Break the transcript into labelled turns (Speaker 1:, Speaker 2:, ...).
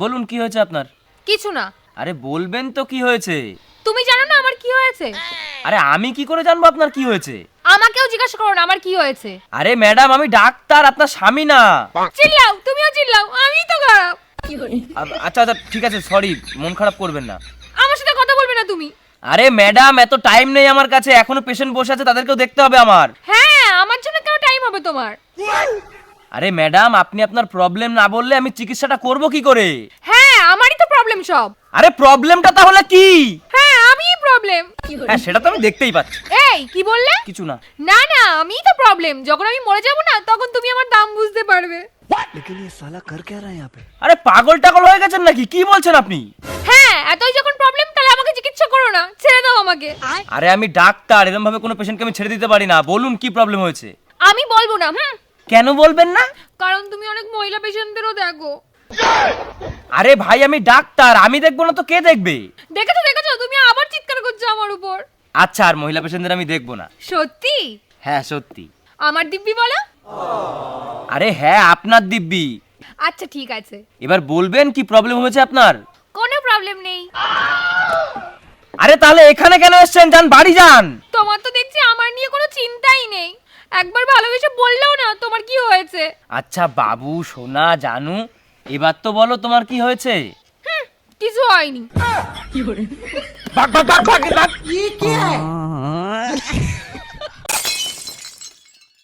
Speaker 1: বলুন কি হয়েছে আপনার?
Speaker 2: কিছু না।
Speaker 1: আরে বলবেন তো কি হয়েছে?
Speaker 2: তুমি জানো না আমার কি হয়েছে?
Speaker 1: আরে আমি কি করে জানবো আপনার কি হয়েছে?
Speaker 2: আমাকেও জিজ্ঞাসা করো না আমার কি হয়েছে।
Speaker 1: আরে ম্যাডাম আমি ডাক্তার, আপনার স্বামী না।
Speaker 2: চিল্লাও, তুমিও চিল্লাও, আমিই তো খারাপ।
Speaker 1: আচ্ছা আচ্ছা ঠিক আছে, সরি, মন খারাপ করবেন না।
Speaker 2: আমার সাথে কথা বলবে না তুমি।
Speaker 1: আরে ম্যাডাম এত টাইম নেই আমার কাছে, এখনো পেশেন্ট বসে আছে, তাদেরকেও দেখতে হবে আমার।
Speaker 2: হ্যাঁ, আমার জন্য কেন টাইম হবে তোমার?
Speaker 1: আরে ম্যাডাম আপনি আপনার প্রবলেম না বললে আমি চিকিৎসাটা করব কি করে?
Speaker 2: হ্যাঁ, আমারই তো প্রবলেম সব।
Speaker 1: আরে প্রবলেমটা তাহলে কি?
Speaker 2: হ্যাঁ, আমিই প্রবলেম।
Speaker 1: হ্যাঁ সেটা তো আমি দেখতেই পাচ্ছি।
Speaker 2: এই কি বললে?
Speaker 1: কিছু না।
Speaker 2: না না, আমিই তো প্রবলেম। যখন আমি মরে যাব না তখন তুমি আমার দাম বুঝতে পারবে।
Speaker 3: लेकिन ये साला कर क्या रहा है यहाँ पे?
Speaker 1: আরে পাগল টাগল হয়ে গেছেন নাকি? কি বলছেন আপনি?
Speaker 2: হ্যাঁ, এতই যখন প্রবলেম তাহলে আমাকে চিকিৎসা করো না, ছেড়ে দাও আমাকে।
Speaker 1: আরে আমি ডাক্তার, এরকম ভাবে কোনো পেশেন্টকে আমি ছেড়ে দিতে পারি না। বলুন কি প্রবলেম হয়েছে?
Speaker 2: আমি বলবো না।
Speaker 1: কেন বলবেন না?
Speaker 2: কারণ তুমি অনেক মহিলা পেশেন্টদেরও দেখো।
Speaker 1: আরে ভাই আমি ডাক্তার, আমি দেখবো না তো কে দেখবে?
Speaker 2: দেখেছো দেখেছো, তুমি আবার চিৎকার করছো আমার উপর।
Speaker 1: আচ্ছা আর মহিলা পেশেন্টদের আমি দেখবো না।
Speaker 2: সত্যি?
Speaker 1: হ্যাঁ সত্যি।
Speaker 2: আমার দিব্যি বলো।
Speaker 1: আরে হ্যাঁ আপনার দিব্যি।
Speaker 2: আচ্ছা ঠিক আছে।
Speaker 1: এবার বলবেন কি প্রবলেম হয়েছে আপনার?
Speaker 2: কোনো প্রবলেম নেই।
Speaker 1: আরে তাহলে এখানে কেন এসেছেন? যান বাড়ি যান।
Speaker 2: তোমার তো দেখছি আমার নিয়ে কোনো চিন্তাই নেই। একবার ভালোবেসে বললেও না তোমার কি হয়েছে।
Speaker 1: আচ্ছা বাবু সোনা জানু, এবার তো বলো তোমার কি হয়েছে?
Speaker 2: কিছু হয়নি।
Speaker 1: ভাগ ভাগ ভাগ ভাগ ভাগ।